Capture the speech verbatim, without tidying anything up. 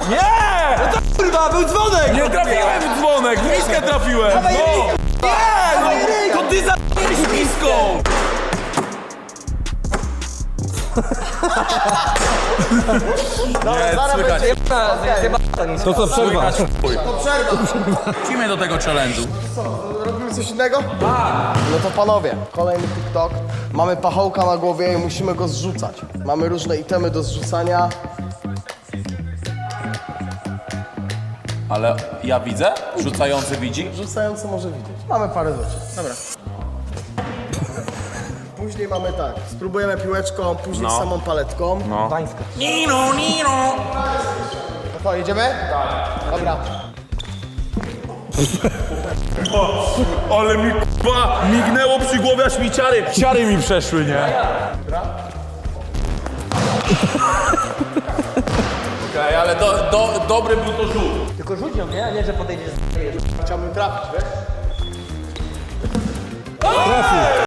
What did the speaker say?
Nie! No to kurwa, był dzwonek! Nie trafiłem w dzwonek, w miskę trafiłem! Dawaj No! ryj! Nie! Dawaj ryj! No, to ty za***ałeś miską! Dobra, Nie, zaraz słychać. będzie jebana, To co, przerwa? To przerwa. Wrócimy do tego challenge'u. Robimy coś innego? No to panowie, kolejny TikTok. Mamy pachołka na głowie i musimy go zrzucać. Mamy różne itemy do zrzucania. Ale ja widzę? Rzucający widzi? Rzucający może widzieć. Mamy parę rzeczy. Dobra. Później mamy tak, spróbujemy piłeczką, później No. samą paletką. No. Tańska. Nino, Nino! To co, jedziemy? Tak. Dobra. Ale mi k***a mignęło przy głowie, aż mi ciary, ciary mi przeszły, nie? Okej, okay, ale do, do, dobry był to rzut. Tylko rzuć ją, nie? A nie, że podejdziesz. Chciałbym trafić, wiesz? Trafił.